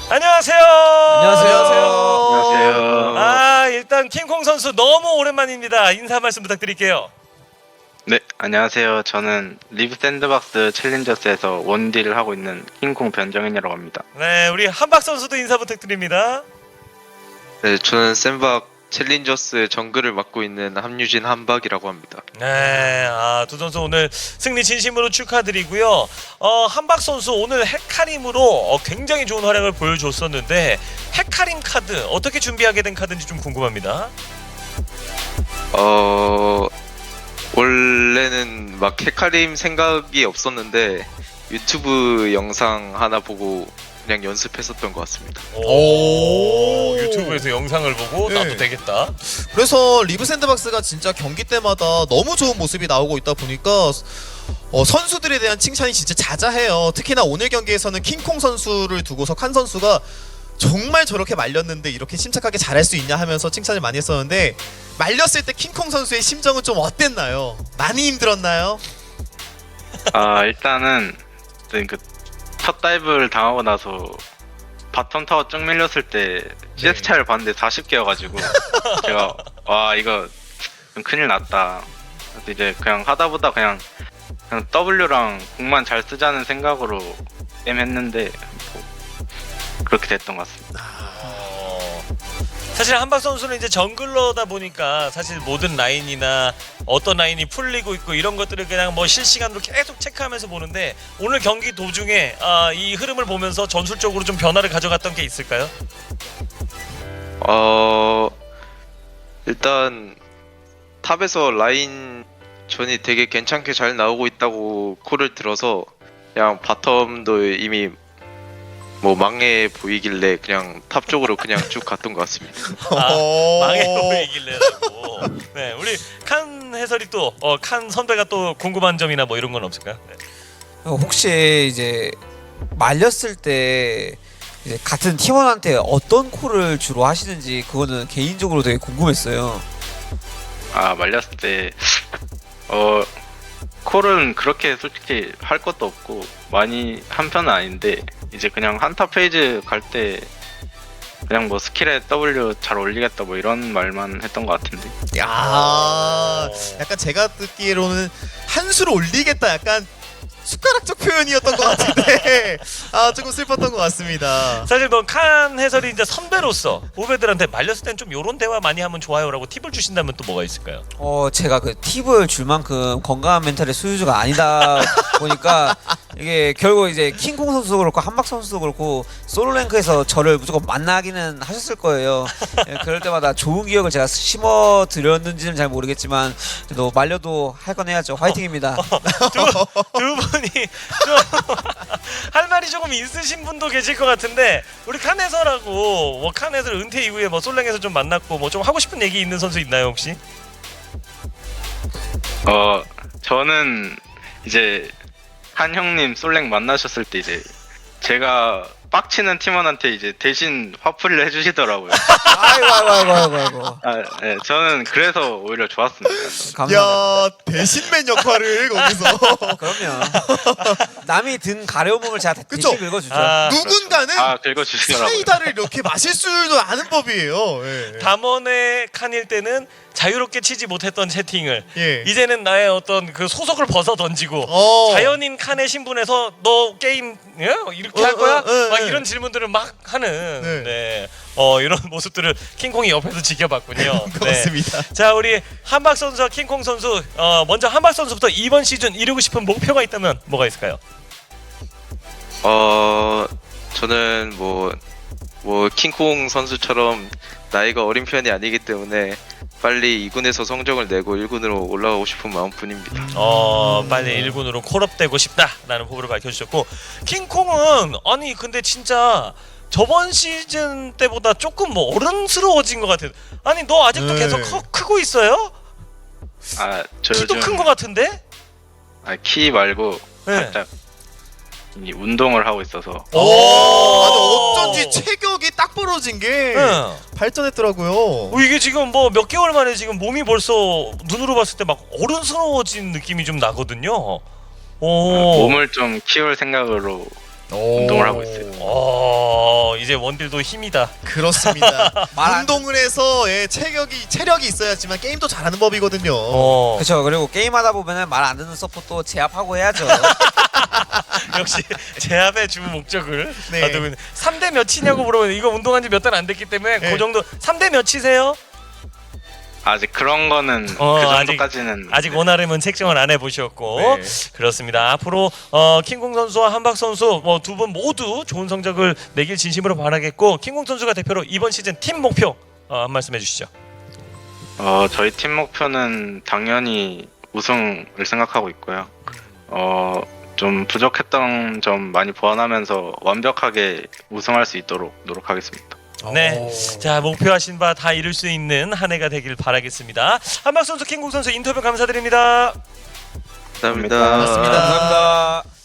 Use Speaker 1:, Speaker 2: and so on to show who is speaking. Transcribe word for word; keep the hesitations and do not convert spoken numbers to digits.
Speaker 1: 안녕하세요.
Speaker 2: 안녕하세요.
Speaker 3: 안녕하세요.
Speaker 1: 아, 일단 킹콩 선수 너무 오랜만입니다. 인사 말씀 부탁드릴게요.
Speaker 3: 네, 안녕하세요. 저는 리브 샌드박스 챌린저스에서 원딜을 하고 있는 킹콩 변정현이라고 합니다.
Speaker 1: 네, 우리 한박 선수도 인사 부탁드립니다.
Speaker 2: 네, 저는 샌박 챌린저스의 정글을 맡고 있는 함유진 한박이라고 합니다.
Speaker 1: 네, 아, 두 선수 오늘 승리 진심으로 축하드리고요. 어, 한박 선수 오늘 헤카림으로 어, 굉장히 좋은 활약을 보여줬었는데 헤카림 카드 어떻게 준비하게 된 카드인지 좀 궁금합니다.
Speaker 2: 어... 원래는 막 헤카림 생각이 없었는데 유튜브 영상 하나 보고 그냥 연습했었던 것 같습니다.
Speaker 1: 오, 유튜브에서 영상을 보고
Speaker 4: 네.
Speaker 1: 나도 되겠다.
Speaker 4: 그래서 리브 샌드박스가 진짜 경기 때마다 너무 좋은 모습이 나오고 있다 보니까 어, 선수들에 대한 칭찬이 진짜 자자해요. 특히나 오늘 경기에서는 킹콩 선수를 두고서 칸 선수가 정말 저렇게 말렸는데 이렇게 침착하게 잘할 수 있냐 하면서 칭찬을 많이 했었는데 말렸을 때 킹콩 선수의 심정은 좀 어땠나요? 많이 힘들었나요?
Speaker 3: 아, 일단은 그 첫 다이브를 당하고 나서 바텀 타워 쭉 밀렸을 때 씨에스 차이를 봤는데 사십 개여가지고 제가 와 이거 좀 큰일 났다. 그래서 이제 그냥 하다보다 그냥 그냥 W랑 궁만 잘 쓰자는 생각으로 게임 했는데 뭐 그렇게 됐던 것 같습니다.
Speaker 1: 어, 사실 한박 선수는 이제 정글러다 보니까 사실 모든 라인이나 어떤 라인이 풀리고 있고 이런 것들을 그냥 뭐 실시간으로 계속 체크하면서 보는데 오늘 경기 도중에 아, 이 흐름을 보면서 전술적으로 좀 변화를 가져갔던 게 있을까요?
Speaker 2: 어... 일단 탑에서 라인 전이 되게 괜찮게 잘 나오고 있다고 콜을 들어서 그냥 바텀도 이미 뭐 망해 보이길래 그냥 탑 쪽으로 그냥 쭉 갔던 것 같습니다.
Speaker 1: 아,
Speaker 4: 어...
Speaker 1: 망해 보이길래라고. 네, 우리 칸 해설이 또 어, 칸 선배가 또 궁금한 점이나 뭐 이런 건 없을까요? 네.
Speaker 5: 어, 혹시 이제 말렸을 때 이제 같은 팀원한테 어떤 콜을 주로 하시는지 그거는 개인적으로 되게 궁금했어요.
Speaker 3: 아, 말렸을 때 어 콜은 그렇게 솔직히 할 것도 없고 많이 한 편은 아닌데 이제 그냥 한타 페이지 갈 때 그냥 뭐 스킬에 W 잘 올리겠다 뭐 이런 말만 했던 것 같은데.
Speaker 4: 야, 약간 제가 듣기로는 한 수를 올리겠다 약간 숟가락적 표현이었던 것 같은데 아 조금 슬펐던 것 같습니다.
Speaker 1: 사실 뭐 칸 해설이 이제 선배로서 후배들한테 말렸을 땐 좀 요런 대화 많이 하면 좋아요라고 팁을 주신다면 또 뭐가 있을까요?
Speaker 5: 어 제가 그 팁을 줄 만큼 건강한 멘탈의 소유주가 아니다 보니까 이게 결국 이제 킹콩 선수도 그렇고 한박 선수도 그렇고 솔로랭크에서 저를 무조건 만나기는 하셨을 거예요. 예, 그럴 때마다 좋은 기억을 제가 심어 드렸는지는 잘 모르겠지만 그래도 말려도 할 건 해야죠. 화이팅입니다.
Speaker 1: 두, 두 분이 좀 할 말이 조금 있으신 분도 계실 것 같은데 우리 칸 해설하고 뭐 칸 해설 은퇴 이후에 뭐 솔랭에서 좀 만났고 뭐 좀 하고 싶은 얘기 있는 선수 있나요 혹시?
Speaker 3: 어 저는 이제 한 형님 솔랭 만나셨을 때 이제 제가 빡치는 팀원한테 이제 대신 화풀이를 해주시더라고요.
Speaker 5: 아이고 아이고 아이고 아이고 아이고.
Speaker 3: 아, 네, 저는 그래서 오히려 좋았습니다.
Speaker 5: 감사합니다.
Speaker 4: 야, 대신맨 역할을 거기서
Speaker 5: 그럼요. 남이 든 가려움을 제가
Speaker 4: 그쵸?
Speaker 5: 대신 긁어주죠.
Speaker 1: 아,
Speaker 4: 누군가는
Speaker 3: 아, 긁어주시더라고요.
Speaker 4: 사이다를 이렇게 마실 줄도 아는 법이에요. 예.
Speaker 1: 담원의 칸일 때는 자유롭게 치지 못했던 채팅을
Speaker 4: 예.
Speaker 1: 이제는 나의 어떤 그 소속을 벗어 던지고
Speaker 4: 어.
Speaker 1: 자연인 칸의 신분에서 너 게임 예? 이렇게
Speaker 4: 어,
Speaker 1: 할 거야?
Speaker 4: 어, 어,
Speaker 1: 막
Speaker 4: 어.
Speaker 1: 이런 질문들을 막 하는
Speaker 4: 네.
Speaker 1: 네. 어 이런 모습들을 킹콩이 옆에서 지켜봤군요.
Speaker 4: 그렇습니다.
Speaker 1: 자 우리 한박 선수와 킹콩 선수 어 먼저 한박 선수부터 이번 시즌 이루고 싶은 목표가 있다면 뭐가 있을까요?
Speaker 2: 어 저는 뭐 뭐 킹콩 선수처럼 나이가 어린 편이 아니기 때문에 빨리 이 군에서 성적을 내고 일 군으로 올라가고 싶은 마음뿐입니다.
Speaker 1: 어 빨리 일 군으로 콜업되고 싶다라는 포부를 밝혀주셨고 킹콩은 아니 근데 진짜 저번 시즌 때보다 조금 뭐 어른스러워진 것 같아요. 아니 너 아직도
Speaker 4: 네.
Speaker 1: 계속 커, 크고 있어요?
Speaker 3: 아, 저
Speaker 1: 키도
Speaker 3: 요즘
Speaker 1: 큰 것 같은데?
Speaker 3: 아, 키 말고
Speaker 1: 네.
Speaker 3: 살짝 이 운동을 하고 있어서
Speaker 1: 오,
Speaker 4: 아니 어쩐지 체격이 딱 벌어진 게
Speaker 1: 네.
Speaker 4: 발전했더라고요.
Speaker 1: 어, 이게 지금 뭐 몇 개월 만에 지금 몸이 벌써 눈으로 봤을 때 막 어른스러워진 느낌이 좀 나거든요. 오.
Speaker 3: 몸을 좀 키울 생각으로 운동을 하고 있어요.
Speaker 1: 어, 이제 원딜도 힘이다.
Speaker 4: 그렇습니다.
Speaker 5: 말 안-
Speaker 4: 운동을 해서 예, 체력이 체력이 있어야지만 게임도 잘하는 법이거든요.
Speaker 1: 어.
Speaker 5: 그렇죠. 그리고 게임하다 보면은 말 안 듣는 서포트도 제압하고 해야죠.
Speaker 1: 역시 제압의 주 목적을
Speaker 4: 네.
Speaker 1: 네. 삼 대 몇이냐고 물어보면 이거 운동한 지 몇 달 안 됐기 때문에
Speaker 4: 네.
Speaker 1: 그 정도 삼 대 몇이세요?
Speaker 3: 아직 그런 거는
Speaker 1: 어,
Speaker 3: 그
Speaker 1: 아직-
Speaker 3: 정도까지는
Speaker 1: 아직
Speaker 3: 네.
Speaker 1: 원활함은 책정을 안 해보셨고
Speaker 4: 네.
Speaker 1: 그렇습니다. 앞으로 어, 킹콩 선수와 한박 선수 뭐 두 분 모두 좋은 성적을 내길 진심으로 바라겠고 킹콩 선수가 대표로 이번 시즌 팀 목표 어, 한 말씀 해주시죠.
Speaker 3: 어, 저희 팀 목표는 당연히 우승을 생각하고 있고요. 어, 좀 부족했던 점 많이 보완하면서 완벽하게 우승할 수 있도록 노력하겠습니다.
Speaker 1: 네.
Speaker 4: 오.
Speaker 1: 자 목표하신 바 다 이룰 수 있는 한 해가 되길 바라겠습니다. 한박 선수, 킹콩 선수 인터뷰 감사드립니다.
Speaker 2: 감사합니다.
Speaker 4: 고맙습니다.
Speaker 5: 감사합니다.